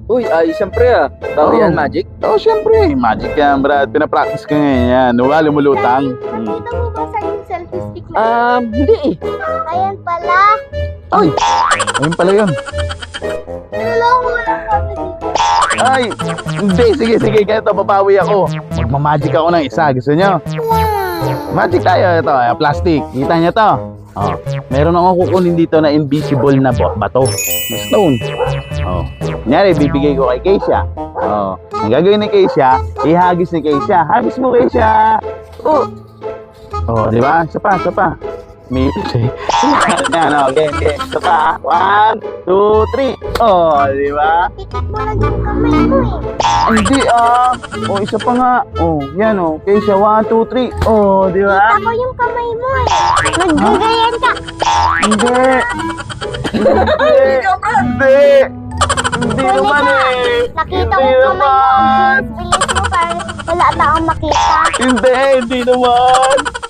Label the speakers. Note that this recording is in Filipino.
Speaker 1: Uy, ay, siyempre Bago
Speaker 2: Oo.
Speaker 1: yan, Magic.
Speaker 2: Oo, syempre. Magic yan, Brad. Pinapractice ko ngayon yan. Wala lumulutang.
Speaker 3: Nakita mo ba sa yung selfie stick na?
Speaker 1: Hindi eh.
Speaker 3: Ayan pala.
Speaker 2: Ay, ayun pala yun.
Speaker 3: Naloko lang kami dito.
Speaker 2: Ay, hindi. Sige. Ganito, babawi ako. Magmamagic ako ng isa. Gusto nyo? Magic tayo. Ito, plastic. Kita nyo to? Oh, meron akong kukunin dito na invisible na bato. Na stone. Oh. Kunyari, bibigay ko kay Keisha. Oh. Ang gagawin ni Keisha, ihagis ni Keisha. Hagis mo, Keisha. Oh. Oh, di ba? Isa pa. May ipis eh. Yan, okay. Isa pa. 1, 2, 3. Oh, di ba?
Speaker 3: Pikit mo lang yung kamay mo eh.
Speaker 2: Hindi Oh, isa pa nga. Oh, yan Keisha, 1, 2, 3. Oh, di ba?
Speaker 3: Kita ko yung kamay mo eh. Naggagayan ka.
Speaker 2: Hindi. Hindi. Hindi naman eh.
Speaker 3: Nakita ko
Speaker 2: Hindi
Speaker 3: yung kamay mo.
Speaker 2: naman.
Speaker 3: Ang bilis mo parang wala taong makita.
Speaker 2: Hindi naman.